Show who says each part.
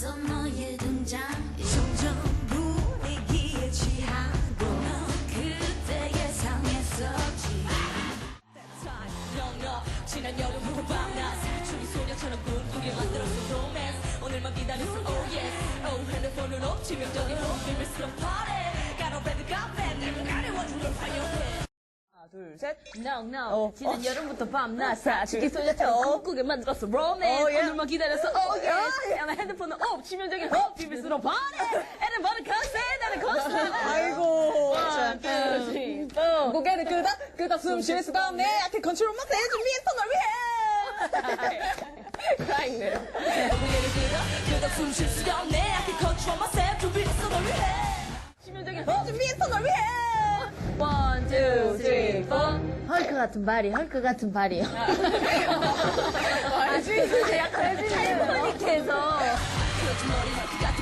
Speaker 1: 있어 너의 등장 점점 분위기에 취하고 넌 그때 예상했었지 지난 여름 후 밤낮 사춘기 소녀처럼 꿈꾸게 만들었어 로맨스 오늘만 기다렸어 oh yes oh 핸드폰으로 치명적인 비밀스러운 party got a red carpet 내 가려워준 걸 화려해
Speaker 2: 하나, 둘, 셋.
Speaker 3: No. 지난 여름부터 밤낮 사춘기 소녀처럼 꿈꾸게 만들었어 로맨스 오늘만 기다렸어 oh yes 나 핸드폰은 치명적인 비밀스러운 party everybody come say 나는 constant
Speaker 2: 아이고.
Speaker 3: One, two, three, four.
Speaker 2: 고개를 끄덕 숨 쉴 수가 없네. I can control myself. 준비했어, 널 위해.
Speaker 3: Crying there.
Speaker 1: 고개를 끄덕 숨 쉴 수가 없네 I can control myself 준비했어 널 위해
Speaker 3: 치명적인
Speaker 2: 준비했어, 널 위해.
Speaker 3: One, two, three, four. 헐크 같은 발이, 헐크 같은 발이.
Speaker 2: 알지?
Speaker 3: 약간 타이타닉해서.
Speaker 1: 그렇지 머리 그